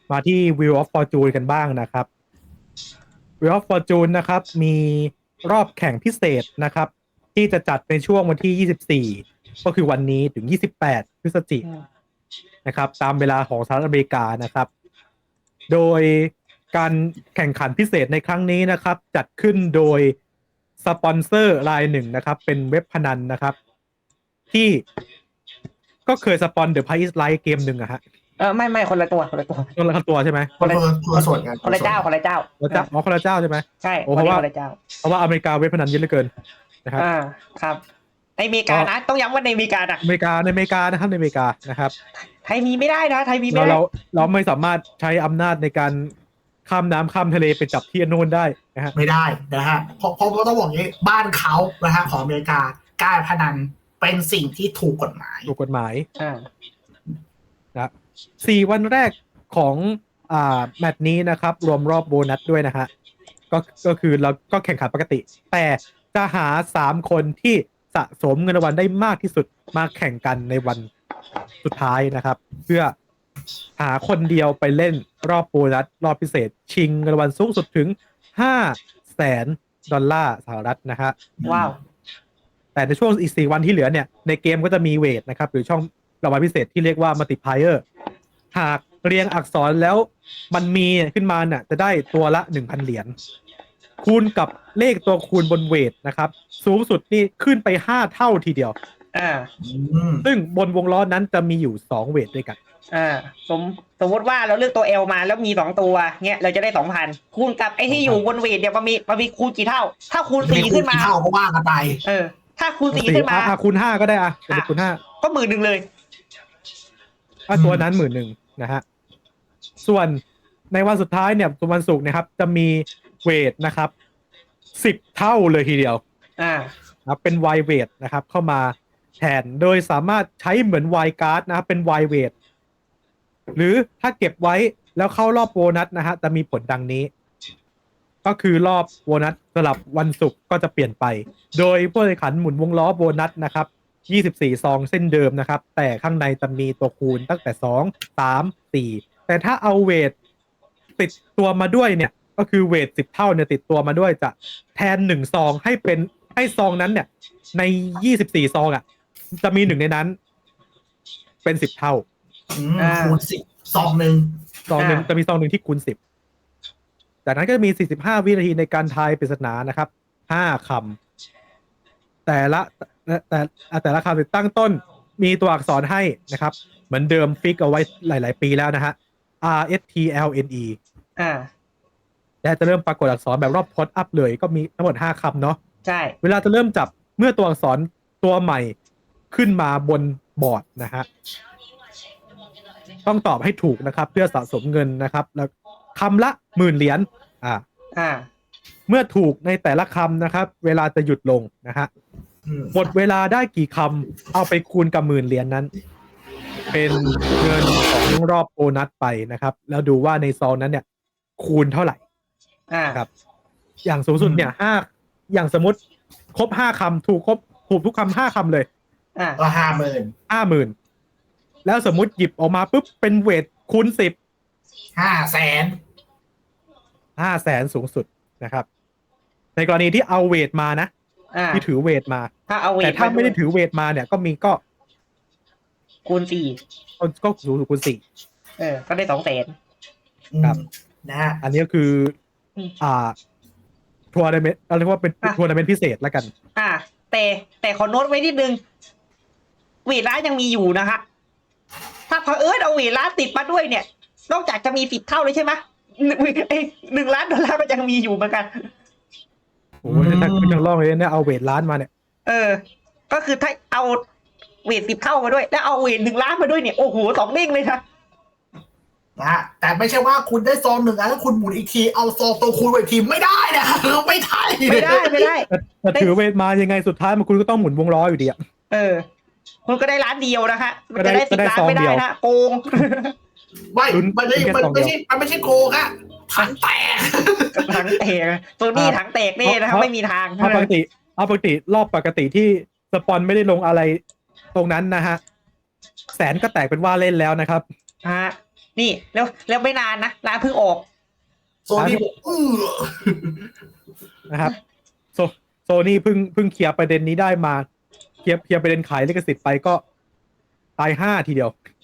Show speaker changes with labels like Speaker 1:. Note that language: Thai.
Speaker 1: มาที่ Wheel of Fortune กันบ้างนะครับ Wheel of Fortune นะครับมีรอบแข่งพิเศษนะครับที่จะจัดในช่วงวันที่ 24 ก็คือวันนี้ถึง 28 พฤศจิกายนนะครับตามเวลาของสหรัฐอเมริกานะครับโดยการแข่งขันพิเศษในครั้งนี้นะครับจัดขึ้นโดยสปอนเซอร์รายหนึ่งนะครับเป็นเว็บพนันนะครับที่ก็เคยสปอน The Price is Right เกมหนึ่งอะฮะ
Speaker 2: ไม่คนละตัว
Speaker 1: คนละตัวใช่ไหม
Speaker 3: คนละส่วนกัน
Speaker 2: คนละเจ้า
Speaker 1: คนละเจ้าใช่ไหม
Speaker 2: ใช่
Speaker 1: เพราะว่าอเมริกาเว็บพนันเยอะเหลือเกินนะครับ
Speaker 2: ครับในอเมริกานะต้องย้ำว่าในอเมริกานะ
Speaker 1: อเมริกานะครับในอเมริกานะครับ
Speaker 2: ไทยมีไม่ได้นะไทยมีไม่ได้
Speaker 1: เราไม่สามารถใช้อำนาจในการข้ามน้ำข้ามทะเลไปจับที่โน่นได้นะฮะ
Speaker 3: ไม่ได้นะฮะเพราะต้องบอกงี้บ้านเขานะฮะของอเมริกาการพนันเป็นสิ่งที่ถูกกฎหมาย
Speaker 1: นะ4 วันแรกของแมตช์นี้นะครับรวมรอบโบนัสด้วยนะฮะก็คือเราก็แข่งขันปกติแต่จะหา3 คนที่สะสมเงินรางวัลได้มากที่สุดมาแข่งกันในวันสุดท้ายนะครับเพื่อหาคนเดียวไปเล่นรอบโบนัสรอบพิเศษชิงเงินรางวัลสูงสุดถึง$500,000 สหรัฐนะฮะ
Speaker 2: ว้าว
Speaker 1: แต่ในช่วงอีก4 วันที่เหลือเนี่ยในเกมก็จะมีเวทนะครับหรือช่องรางวัลพิเศษที่เรียกว่า multiplier หากเรียงอักษรแล้วมันมีขึ้นมาเนี่ยจะได้ตัวละ 1,000 เหรียญคูณกับเลขตัวคูณบนเวทนะครับสูงสุดนี่ขึ้นไป5 เท่าทีเดียวซึ่งบนวงล้อนั้นจะมีอยู่2 เวทด้วยกัน
Speaker 2: สมมติว่าเราเลือกตัว L มาแล้วมี2 ตัวเงี้ยเราจะได้ 2,000 คูณกับไอ้ที่อยู่บนเวทเนี่ยมันมีคูณกี่เท่าถ้าคูณ4ขึ้นมา
Speaker 3: เท่าก็ว่ากันไป
Speaker 2: ถ้าคูณ4ขึ้นมา
Speaker 1: คูณ5ก็ได้คูณ
Speaker 2: 5ก็10,000เลย
Speaker 1: ตัวนั้น10,000นะฮะส่วนในวันสุดท้ายเนี่ยวันศุกร์นะครับจะมีเวทนะครับ10 เท่าเลยทีเดียวนะเป็นไวเวทนะครับเข้ามาแทนโดยสามารถใช้เหมือนไวการ์ดนะครับเป็นไวเวทหรือถ้าเก็บไว้แล้วเข้ารอบโบนัสนะฮะจะมีผลดังนี้ก็คือรอบโบนัสสลับวันศุกร์ก็จะเปลี่ยนไปโดยผู้แข่งขันหมุนวงล้อโบนัสนะครับ24 ซองเส้นเดิมนะครับแต่ข้างในจะมีตัวคูณตั้งแต่2 3 4แต่ถ้าเอาเวทติดตัวมาด้วยเนี่ยก็คือเวท10 เท่าเนี่ยติดตัวมาด้วยจะแทน1 ซองให้ซองนั้นเนี่ยใน24 ซองอ่ะจะมี1ในนั้นเป็น10 เท่า
Speaker 3: คูณ10 ซองหนึ่ง
Speaker 1: จะมีซองหนึ่งที่คูณ10จากนั้นก็จะมี45 วินาทีในการทายปริศนานะครับ5 คำแต่ละคำตั้งต้นมีตัวอักษรให้นะครับเหมือนเดิมฟิกเอาไว้หลายๆปีแล้วนะฮะRSTLNE แต่จะเริ่มปรากฏอักษรแบบรอบพอดอัพเลยก็มีทั้งหมด5 คำเนาะ
Speaker 2: ใช่
Speaker 1: เวลาจะเริ่มจับเมื่อตัวอักษรตัวใหม่ขึ้นมาบนบอร์ดนะฮะต้องตอบให้ถูกนะครับเพื่อสะสมเงินนะครับแล้วคำละ10,000 เหรียญเมื่อถูกในแต่ละคำนะครับเวลาจะหยุดลงนะฮะหมดเวลาได้กี่คำเอาไปคูณกับ10,000 เหรียญนั้นเป็นเงินของรอบโบนัสไปนะครับแล้วดูว่าในซองนั้นเนี่ยคูณเท่าไหร่ครับอย่างสูงสุดเนี่ยอย่างสมมติครบ5 คำถูกทุกคำ5 คำเลย
Speaker 3: ก็
Speaker 1: 50,000แล้วสมมุติหยิบออกมาปุ๊บเป็นเวทคูณ10 500,000สูงสุดนะครับในกรณีที่เอาเวทมานะที่ถือเวทมาแต่ถ้าไม่ได้ถือเวทมาเนี่ยก็
Speaker 2: คูณ
Speaker 1: 4ก็สูงสุดคูณ4
Speaker 2: ก็ได้
Speaker 1: 200,000ครับ
Speaker 3: นะ
Speaker 1: อันนี้ก็คือทัวร์นาเมนต์เรียกว่าเป็นทัวร์นาเมนต์พิเศษแล้วกัน
Speaker 2: แต่ขอโน้ตไว้นิดนึงเวทร้านยังมีอยู่นะฮะถ้าเผอิญเอาเวทร้านติดมาด้วยเนี่ยนอกจากจะมี10 เท่าเลยใช่ไหม$1,000,000ก็ยังมีอยู่เหมือนกัน
Speaker 1: โอ้ยถ้าคุณยังล่องเลยเนี่ยเอาเวทร้านมาเนี่ย
Speaker 2: ก็คือถ้าเอาเวท10 เท่ามาด้วยแล้วเอาเวท1 ล้านมาด้วยเนี่ยโอ้โห2 เด้งเลยครับ
Speaker 3: แต่ไม่ใช่ว่าคุณได้ซอง1 อันแล้วคุณหมุนอีกทีเอาซองตัวคูณอีกทีไม่ได้นะไม่
Speaker 2: ได้
Speaker 1: แต่ถือเวทมายังไงสุดท้ายมันคุณก็ต้องหมุนวงล้ออยู่ดี
Speaker 2: คุณก็ได้ล้านเดียวนะคะมันจะได้10 ล้านไม่ได้นะโกง
Speaker 3: มันไม่ใช่โกงอะถังแตก
Speaker 2: โซนี่ถังแตกนี่นะครับไม่มีทาง
Speaker 1: ปกติรอบปกติที่สปอนไม่ได้ลงอะไรตรงนั้นนะฮะแสนก็แตกเป็นว่าเล่นแล้วนะครับ
Speaker 2: นี่แล้วไม่นานนะร้านเพิ่งออก
Speaker 3: โซนี่บอก
Speaker 1: นะครับโซนี่เพิ่งเคลียร์ประเด็นนี้ได้มาเคลียร์ประเด็นขายลิขสิทธิ์ไปก็ตาย5ทีเดียว